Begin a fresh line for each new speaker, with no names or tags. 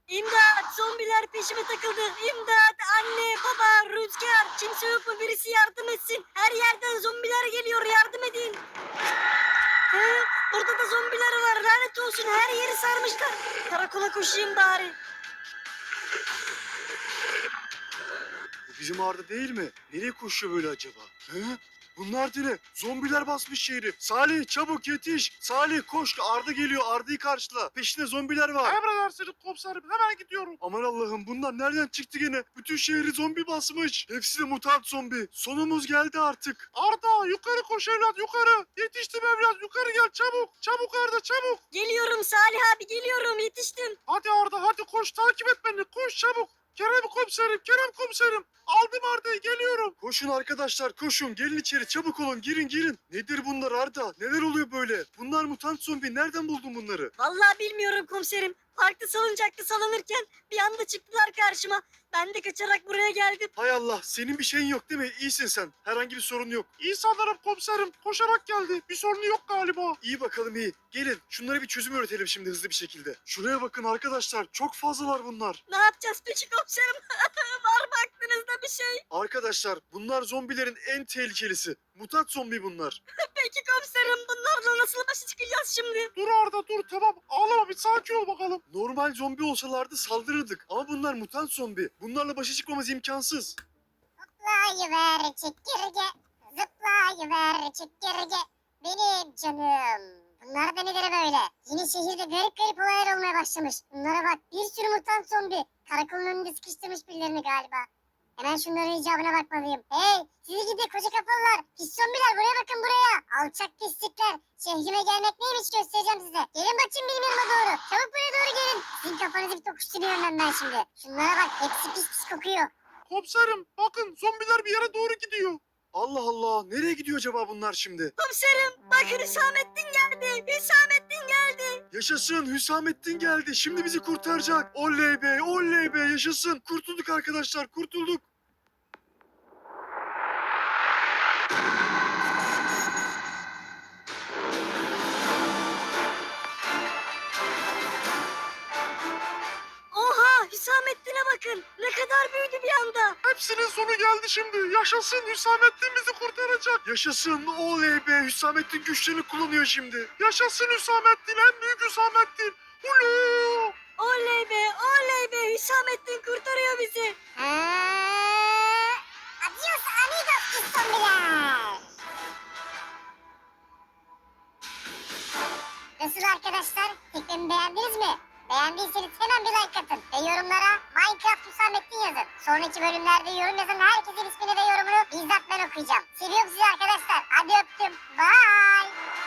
İmdat! Zombiler peşime takıldı. İmdat! Anne, baba, Rüzgar. Kimse yok mu? Birisi yardım etsin. Her yerden zombiler geliyor. Yardım edin. He? Burada da zombiler var. Lanet olsun. Her yeri sarmışlar. Karakola koşayım bari.
Bu bizim Arda değil mi? Nereye koşuyor böyle acaba? He? Bunlar da ne? Zombiler basmış şehri. Salih çabuk yetiş. Salih koş, Arda geliyor. Arda'yı karşıla. Peşinde zombiler var.
Emredersiniz komiserim, hemen gidiyorum.
Aman Allah'ım, bunlar nereden çıktı gene? Bütün şehri zombi basmış. Hepsi de mutant zombi. Sonumuz geldi artık.
Arda yukarı koş evlat, yukarı. Yetiştim evlat, yukarı gel çabuk. Çabuk Arda, çabuk.
Geliyorum Salih abi, geliyorum. Yetiştim.
Hadi Arda, hadi koş, takip et beni, koş çabuk. Kerem komiserim, Kerem komiserim. Aldım Arda'yı, geliyorum.
Koşun arkadaşlar, koşun. Gelin içeri, çabuk olun. Girin. Nedir bunlar Arda? Neler oluyor böyle? Bunlar mutant zombi. Nereden buldun bunları?
Vallahi bilmiyorum komiserim. Parkta salıncakta salınırken bir anda çıktılar karşıma. Ben de kaçarak buraya geldim.
Hay Allah, senin bir şeyin yok değil mi? İyisin sen. Herhangi bir sorun yok.
İyi sanırım komiserim, koşarak geldi. Bir sorunu yok galiba.
İyi bakalım iyi. Gelin şunlara bir çözüm üretelim şimdi hızlı bir şekilde. Şuraya bakın arkadaşlar. Çok fazlalar bunlar.
Ne yapacağız peki komiserim? Var mı aklınızda bir şey?
Arkadaşlar bunlar zombilerin en tehlikelisi. Mutant zombi bunlar.
Peki komiserim, bunlarla nasıl başa çıkacağız şimdi?
Dur Arda dur, tamam. Ağlama, bir sakin ol bakalım.
Normal zombi olsalardı saldırırdık. Ama bunlar mutant zombi. Bunlarla başa çıkmamız imkansız.
Zıplayıver çekirge, zıplayıver çekirge, benim canım. Bunlar da nedir böyle? Yine şehirde garip garip olaylar olmaya başlamış. Bunlara bak, bir sürü mutant zombi. Karakolun önünde sıkıştırmış birilerini galiba. Hemen şunların icabına bakmalıyım. Hey, sizi gidi koca kafalılar. Pis zombiler, buraya bakın buraya. Alçak pislikler. Şehrime gelmek neymiş göstereceğim size. Gelin bakayım benim yanıma doğru. Çabuk buraya doğru gelin. Sizin kafanızı bir tokuşturuyorum ben şimdi. Şunlara bak, hepsi pis pis kokuyor.
Komiserim bakın, zombiler bir yere doğru gidiyor.
Allah Allah. Nereye gidiyor acaba bunlar şimdi?
Komiserim, bakın Hüsamettin geldi. Hüsamettin geldi.
Yaşasın, Hüsamettin geldi. Şimdi bizi kurtaracak. Oley be yaşasın. Kurtulduk arkadaşlar, kurtulduk.
Oha, Hüsamettin'e bakın. Ne kadar büyüdü bir anda.
Hepsinin sonu geldi şimdi. Yaşasın, Hüsamettin bizi kurtaracak.
Yaşasın, oley be. Hüsamettin güçlerini kullanıyor şimdi.
Yaşasın Hüsamettin, en büyük Hüsamettin. Hulu!
Oley be, Hüsamettin kurtarıyor bizi.
Adios amigos pis zombiler. Nasıl arkadaşlar? Fikrimi beğendiniz mi? Beğendiyseniz hemen bir like atın ve yorumlara Minecraft Hüsamettin yazın. Sonraki bölümlerde yorum yazan herkesin ismini ve yorumunu bizzat ben okuyacağım. Seviyorum sizi arkadaşlar. Hadi öptüm. Bye.